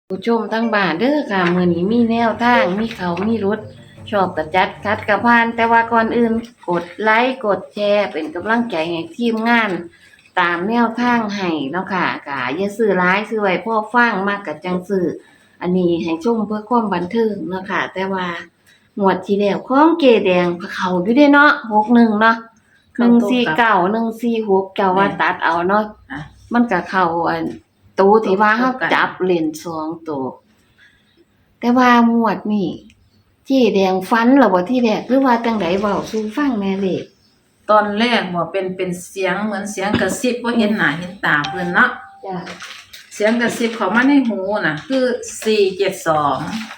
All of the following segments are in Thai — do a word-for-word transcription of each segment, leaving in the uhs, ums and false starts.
ผู้ชมทั้งบ้านเด้อค่ะมื้อนี้มีแนวทางมีเขามีรุดชอบกระจัดคัดกระพานแต่ว่าก่อนอื่นกดไลค์กดแชร์เป็นกำลังใจให้ทีมงานตามแนวทางให้เนาะค่ะก็อย่าซื้อหลายซื้อไว้พอฟังมากก็จังซื้ออันนี้ให้ชมเพื่อความบันเทิงเนาะค่ะแต่ว่างวดที่แล้วของเกแดงเขาอยู่เด้เนาะหกหนึ่งเนาะหนึ่งสี่เก้า หนึ่งสี่หกเจ้าว่าตัดเอาเนาะอ่ะมันก็เข้าอันตัวที่ว่าเฮาจับเล่นสองตัวแต่ว่างวดนี้เจ๊แดงฟันเหรอบ่ที่แรกหรือว่าจังไดเว้าสู่ฟังแหน่เด้ตอนแรกบ่เป็นเป็นเสียงเหมือนเสียงกระซิบบ่เห็นหน้าเห็นตาเพิ่นเนาะจ้ะเสียงกระซิบเข้ามาในหูน่ะ คือสี่เจ็ดสอง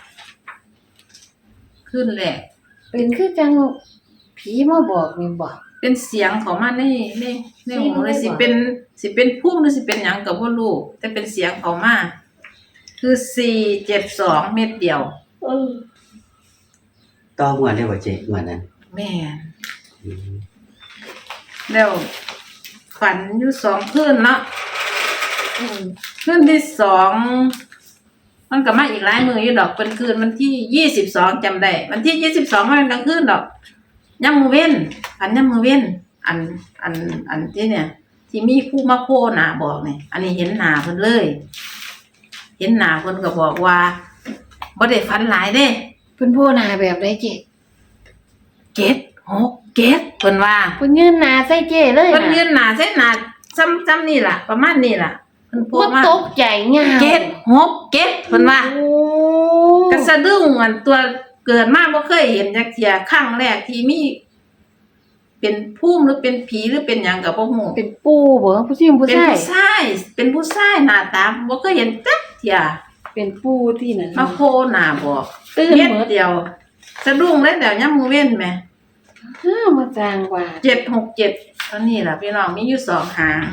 ขึ้นแรกเป็นคือจังผีมาบอกนี่บ่เป็นเสียงเข้ามาในในในหูเลยเสีสิยงเลยบ่เป็นสิเป็นภูมิหรือสิเป็นหยังก็บ่รู้แต่เป็นเสียงเข้ามาคือสี่เจ็ดสองเม็ดเดียวเออต่องวดได้บ่เจ๊งวดนั้นแม่นอืมแล้วฝันอยู่สองคืนเนาะอืมคืนที่สองมันก็มาอีกหลายมื้ออยู่ดอกเป็นคืนวันที่ยี่สิบสองจำได้วันที่ยี่สิบสองมันกลางคืนดอกยามมื้อเว้นฝันยามมื้อเว้นอันอันอันที่เนี่ย ที่มีผู้มาโพหน้าบอกนี่อันนี้เห็นหน้าเพิ่นเลย เห็นหน้าเพิ่นก็บอกว่าบ่ได้ฝันหลายเด้เพิ่นโพหน้าแบบใดเจ๊เจ็ด หก เจ็ดเพิ่นว่าเพิ่นยืนหน้าใส่เจ๊เลยนะเพิ่นยืนหน้าใส่หน้าซ้ำซ้ำนี่ล่ะประมาณนี้ล่ะเพิ่นโพบ่มาตกใจยาวเจ็ด หก เจ็ดเพิ่นว่าโอ้ก็สะดุ้งอันตัวเกิดมาบ่เคยเห็นจักเที่ยครั้งแรกที่มีเป็นภูมิหรือเป็นผีหรือเป็นหยังก็บ่ฮู้เป็นปู่บ่ผู้หญิงผู้เป็นชายผู้ชายเป็นผู้ชายหน้าตาบ่เคยเห็นจักเที่ยเป็นปู่ที่นั่นมาโผล่หน้าบอกตื่นเม็ดหมดเดียวสะดุ้งเลยแล้วยามมื้อเว้นแหมห้ามาจางว่าเจ็ด หก เจ็ดตอนนี้ล่ะพี่น้องมีอยู่สองหาง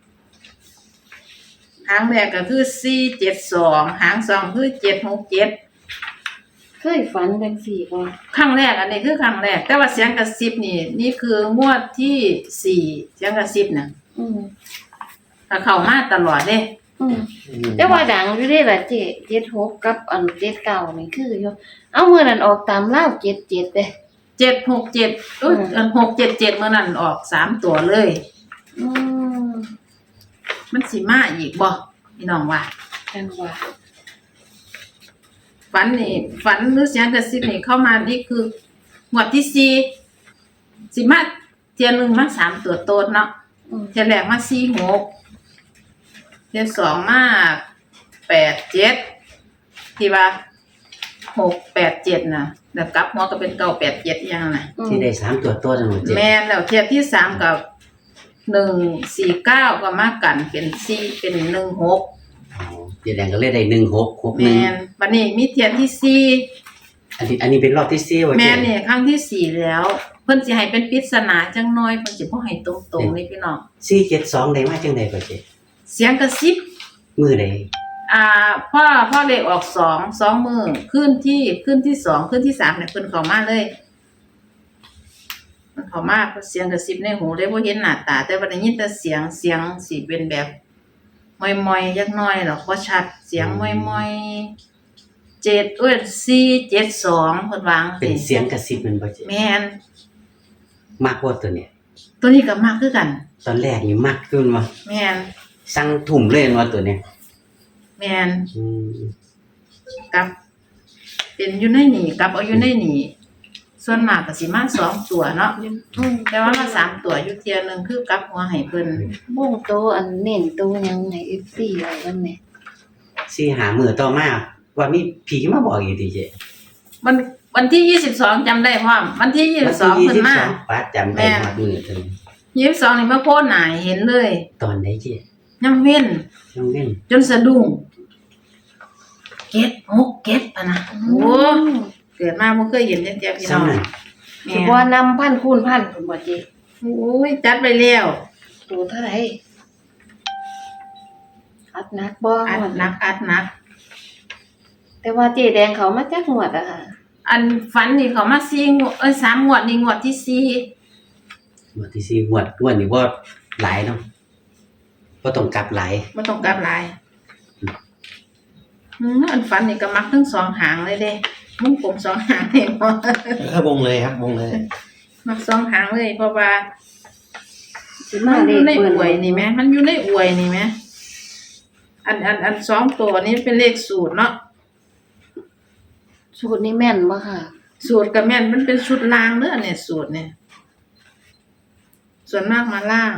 หางแรกก็คือสี่ เจ็ด สองหางสองคือเจ็ด หก เจ็ดเคยฝันจังซี่บ่ครั้งแรกอันนี้คือครั้งแรกแต่ว่าเสียงกระซิบนี่นี่คืองวดที่สี่เสียงกระซิบน่ะอืมถ้าเข้ามาตลอดเด้อืมแต่ว่าดังอยู่เด้ล่ะเจ๊เจ็ดหกกับอันเจ็ดเก้านี่คืออยู่เอามื้อนั้นออกตามลาวเจ็ดเจ็ดเด้เจ็ด หก เจ็ดอุ๊ยอันหก เจ็ด เจ็ดมื้อนั้นออกสามตัวเลยอืมมันสิมาอีกบ่พี่น้องว่าจังว่าฝันนี่ฝันหรือเสียงกระซิบนี่เข้ามานี่คืองวดที่สี่สิมาเที่ยหนึงมาสามตัวโตดเนาะอืมเที่ยแรกมาสี่ หกเที่ยสองมาแปด เจ็ดที่ว่าหก แปด เจ็ดน่ะแล้วกลับหัวก็เป็นเก้า แปด เจ็ดอีหยังน่ะที่ได้สามตัวตัวจังหวัดเจ๊แม่นแล้วเทียบที่สามกับหนึ่งสี่เก้าก็มากันเป็นสี่เป็นหนึ่งหกอ๋อเจ๊แดงก็เลยได้หนึ่งหกหกหแม่นึ่งนบัดนี้มีเทียบที่สี่อันนี้อันนี้เป็นรอบที่สี่ว่ะแม่เจ๊นเนี่ยครั้งที่สี่แล้ว เพิ่นสิให้เป็นปริศนาจังน้อยเพิ่นสิบ่ให้ตรงๆนี่พี่น้องสี่เจ็ดสองได้มาจังได๋บ่เจ๊เสียงกระซิบมื้อใดอ่าพ่อพ่อเลขออกสอง สองมื้อขึ้นที่ขึ้นที่สองขึ้นที่สามเนี่ยเพิ่นเข้ามาเลยเพิ่นเข้ามาเสียงกระซิบในหูได้บ่เห็นหน้าตา แต่ว่าได้ยินแต่เสียงเสียงสิเป็นแบบมอยๆจักหน่อยหรอกบ่ชัดเสียงมอยๆเจ็ดเอ้ยสี่ เจ็ด สองเพิ่นวาจังเป็นซี่เสียงกระซิบแมันบ่เจ๊แม่นมักบ่ตัวเนี้ยตัวนี้ก็มักคือกันตอนแรกนี่มักขึ้นมาแม่นสั่งทุ่มเลยแม่นว่าตัวเนี้ยแม่นอืมกับเป็นอยู่ในนี่กับเอาอยู่ในนี่ส่วนมากก็สิมาสองตัวเนาะอืมแต่ว่ามาสามตัวอยู่เที่ยหนึงคือกับหัวให้เพิ่นบ่งโตอันเน้นโตยังให้ เอฟ ซี ไว้วันนี้สี่หามื้อต่อมาว่ามีผีมาบอกอีกติเจ๊มันวันที่ยี่สิบสองจำได้พร้อมวันที่ยี่สิบสองเพิ่นมาปาดจำได้ฮอดมื้อเพิ่นยี่สิบสองนี่มาโพสต์หน้าให้เห็นเลยตอนไหนเจ๊ยังเว้นน้องเล่นจนสะดุ้งเก็ดหกเก็ดปะนะโอ้เกิดมาบ่เคยเห็นจังซี่พี่น้องซ้ำนั่นแม่สิบ่นำพันคูณพันพุ่นบ่เจ๊โอ้ยจัดไปแล้วตัวเท่าไหร่อัดหนักบ่อัดหนักอัดหนักแต่ว่าเจ๊แดงเขามาจักงวดอะค่ะอันฝันนี่เขามาสี่งวดเอ้ยสามงวดนี่งวดที่สี่งวดที่สี่งวดงวดนี้บ่หลายเนาะบ่ต้องกลับหลายบ่ต้องกลับหลายอืมอันฝันนี่ก็มักทั้งสองหางเลยเด้มุ้งผมสองหางเลยพอเออวงเลยครับวงเลยมักสองหางเลยเพราะว่าสิมัมานอเลยู่ขในเบิ่อวยนี่ไหมมันอยู่ในอวยนี่ไหมอันอันอันสองตัวนี้เป็นเลขสูตรเนาะสูตรนี้แม่นบ่ค่ะสูตรกับแม่นมันเป็นชุดล่างเด้อเนี่ยสูตรเนี่ยส่วนมากมาล่าง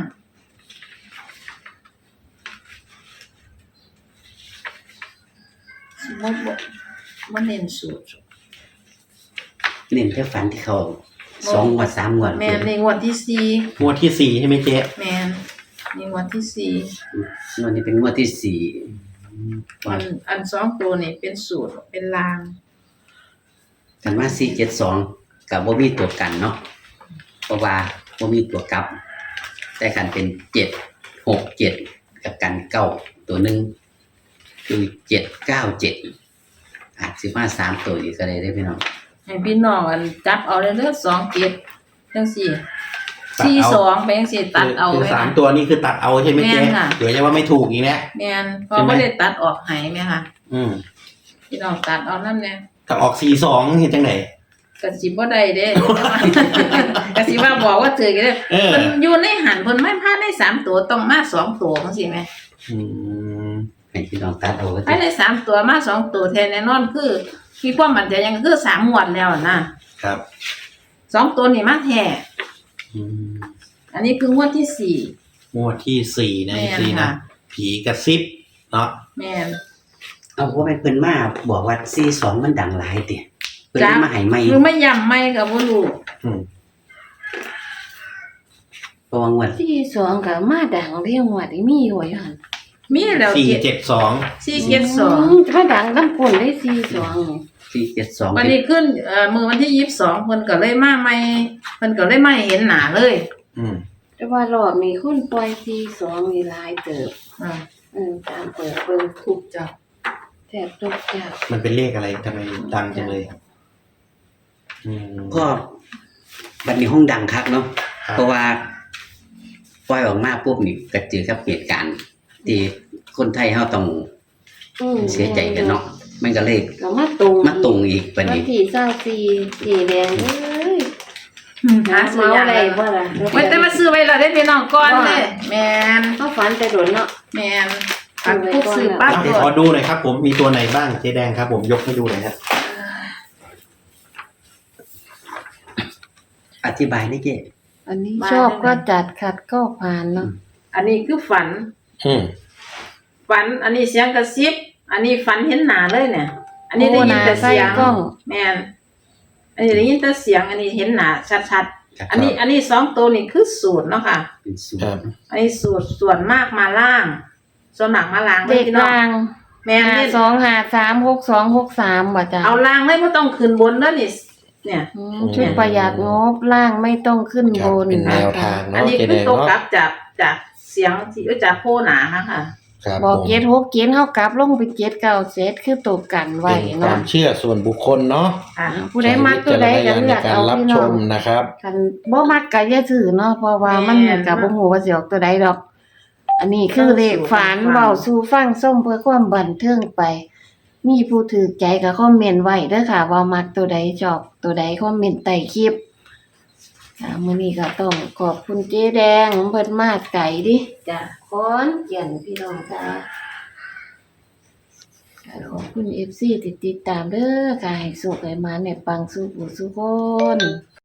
บ่บ่บ่เน้นสูตรเน้นแค่ฝันที่เขาสองงวดสามงวดแม่นในงวดที่สี่งวดที่สี่ใช่ไหมเจ๊แม่นในงวดที่สี่งวดนี้เป็นงวดที่สี่อันอันสองตัวนี่เป็นสูตรเป็นลางกันว่าสี่เจ็ดสองกับบ่มีตัวกันเนาะเพราะว่าบ่มีตัวกลับ แต่กันเป็นเจ็ดหกเจ็ดกับกันเก้าตัวหนึ่งคือเจ็ดเก้าเจ็ดอาจสิมาสามตัวอีกก็ได้ได้อพี่น้องให้พี่น้องอันจับเอาเลยเด้อสองเจ็ดจังสี่สี่สองไปจังสี่ตัดเอาคือไว้สามนะตัวนี่คือตัดเอาใช่ไหมเจ๊แม่นค่ะเดี๋ยวจะว่าไม่ถูกอีกนะแม่นพอใช่ไหมบ่ได้ตัดออกให้แม่ค่ะอืมพี่น้องตัดเอานั่นแน่ถ้าออกสี่สองเห็นจังไหนก็สิบ่ได้เด้ ก็สิว่าบอกว่าถือกันเด้เออเพิ่นอยู่ในหันเพิ่นไม่พลาดได้สามตัวต้องมาสองตัวจังซี่แหมอืมให้พี่น้องตัดเอาไว้ภายในสามตัวมาสองตัวแท้แน่นอนคือมีความมั่นใจยังคือสามงวดแล้วนะครับ สองตัวนี่มาแท้อืมอันนี้คืองวดที่สี่งวดที่สี่นะแม่นสี่นะค่ะผีกระซิบเนาะแม่นเอาว่าเป็นเพิ่นมาบอกว่าสี่สองมันดังหลายติเพิ่นเลยมาให้ใหม่หรือไม่ย้ำไม่ก็บ่รู้อืมเพราะว่างวดที่สองก็มาดังเรียงว่าได้มีอยู่ว่าหั่นมีแล้วสี่เจ็ดเจ็ดสองสี่เจ็ดสองมมาดังลำคนได้สี่สองนี่สี่เจ็ดสองวันนี้ขึ้นเอ่อมือวันที่ยี่สิบสองเพิ่นก็เลยมาใหม่เพิ่นก็เลยมาให้เห็นหน้าเลยอืมแต่ว่ารอบนี้คนปล่อยสี่สองนี่หลายเติบอ่าเออตามเปิดเบิ่งทุกจับแทบทุกจับมันเป็นเลขอะไรทำไมดังจังเลยอืมก็บัดนี้ห้องดังคักเนาะครับเพราะว่าปล่อยออกมาปุ๊บนี่ก็เจอกับเหตุการณ์ที่คนไทยเฮาต้องอืมเสียใจกันเนาะมันก็เลยก็มาตรงมาตรงอีกบัดวันนี้ที่เศร้าสี่สีแดงเอ้ยหาหาซื้อเมาอย่างอะไรไรบ่ล่ะไว้แต่มาซื้อไว้แล้วได้พี่น้องก่อนเด้แม่นเขาฝันแต่โดนเนาะแม่นอันปุ๊บซื้อปั๊บอ่ะโดเดี๋ยวขอดดูหน่อยครับ ผมมีตัวไหนบ้างเจ๊แดงครับ ผมยกให้ดูหน่อยครับอธิบายได้เจ้อันนี้ชอบก็จัดขัดก็ผ่านเนาะอันนี้คือฝันอืมฝัน อันนี้เสียงกระซิบ อันนี้ฝันเห็นหน้าเลยเนี่ย อันนี้ได้ยินแต่เสียงกล้องแม่นอันนี้ได้ยินแต่เสียง อันนี้เห็นหน้าชัดครับๆ อันนี้ อันนี้สองตัวนี่คือสูตรเนาะค่ะเป็นสูตครรับอันนี้สูตรส่วนมากมาล่าง ส่วนหนักมาล่างเลเด็ยกพี่น้องลางแม่นหาเล่นสองหาสามหกสองหกสามบ่จ้ะเอาล่างเลยไม่ต้องขึ้นบนแล้วนี่เนี่ยอืมชุดประหยัดงบล่างไม่ต้องขึ้นครับบนเป็นแนวทางอันเนาะนี้เจ๊คืแดอง ตกกเนาะลับจากจากเสียงที่เอ้ยจากโคหนาค่ะค่ะครับบอกผมเจ็ดหกเจ็ดเฮากลับลงไปเจ็ดเก้าเซตคือตกกันไว้เป็นคเนาะวามเชื่อส่วนบุคคลเนาะค่ะผู้ใดมักตัวใดก็เลือกใช้วิจารณญาณในการเอารับพี่ชน้องมนะครับคันบ่มักก็อย่าถือเนาะเพราะว่ามันแม่นก็บ่ฮู้ว่าสิออกตัวใดดอก อันนี้คือเลขฝันฟังเว้าสู่ฟังส้มเพื่อความบันเทิงไป มีผู้ถือใจก็คอมเมนต์ไว้เด้อค่ะ ว่ามักตัวใดชอบตัวใดคอมเมนต์ใต้คลิปค่ะมื้อนี้ก็ต้องขอบคุณเจ๊แดงเพิ่นมาไกลดิจ้ะขอนแก่นพี่น้องค่ะค่ะขอบคุณ เอฟ ซี ที่ติดตามเด้อค่ะให้สุขให้มาในปังสุขสุขคน